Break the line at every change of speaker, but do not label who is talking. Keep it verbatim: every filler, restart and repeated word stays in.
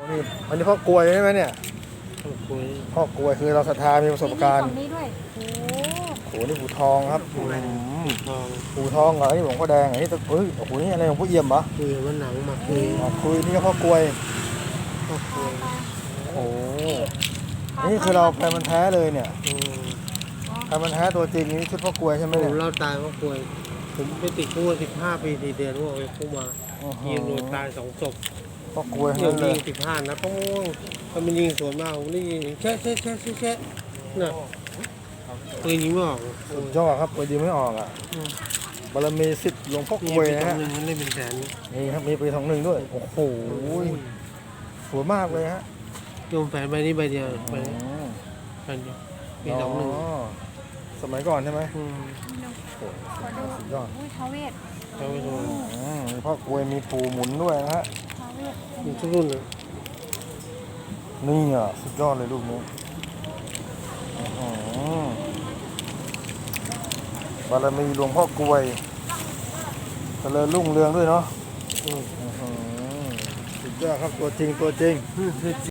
นี่อันนี้พ่อกลวยใช่ไหมเนี่ย
ต้องคุย
พ่อกลวยคือเราศรัทธามีประสบการณ์
มีฝั่งนี้ด้วยโอ้
โอ้โหนี่ปู่ทองครับอืม
ทอง
ปู่ทองเหรอนี่หลวงพ่อแดงอันนี้ตะเฮ้ยโอ้โหนี่อะไรหลวงพ่อเอี่ยมเหรอ
คุยว่าหนังมาคุย
อ๋อคุยนี่ก็พ่อกลวย
ต้องคุย
โอ้โหนี่คือเราแพรมันแท้เลยเนี่ย
อืม
แพรมันแท้ตัวจริงนี่ชุดพ่อกลวยใช่ไหม
ผ
เนี่ย
มเล่าตายว่าคุยผมไปติดคุกสิบห้าปีสี่เดือนว่าไปคุกมา
อื้อหื
ยิ
อง
โดนตายสองศพ
พ่อกลวย
ยิ
ทั้
ง
งนั้นเล
ยิ
ย
งสิบห้านะต้องถ้ามันยิงสวนมากผมได้ยินแช่แช่แช่แช่แช่น่ะปืนยิงไม่ออก
สุดยอดครับปืนยิงไม่ออกอ่ะบารมีสิทธิ์หลวงพ่อกลวยนะฮะ
หนึ่งมันได้เป็นแสน
นี่ครับมีปีสองหนึ่งด้วยโอ้โหสวยมากเลยฮะ
โยมแฝนใบนี้ใบเดียวใบ
อืม
ใบเดียวปีสองหนึ่ง
สมัยก่อนใช่ไหม
อืม
ขอดู
สุดยอด
อุ้ยท้าวเวท
เอาไปดู
อืมมีพ่อกลวยมีปูหมุนด้วยนะฮะ
ท้าวเวท
มีทุกรุ่นเลย
นี่อ่ะสุดยอดเลยลูกนี้อื้อหือบารมีหลวงพ่อกลวยเจริญรุ่งเรืองด้วยเนาะ
อืม
อื้อหือสุดยอดครับตัวจริงตัวจริง
อืม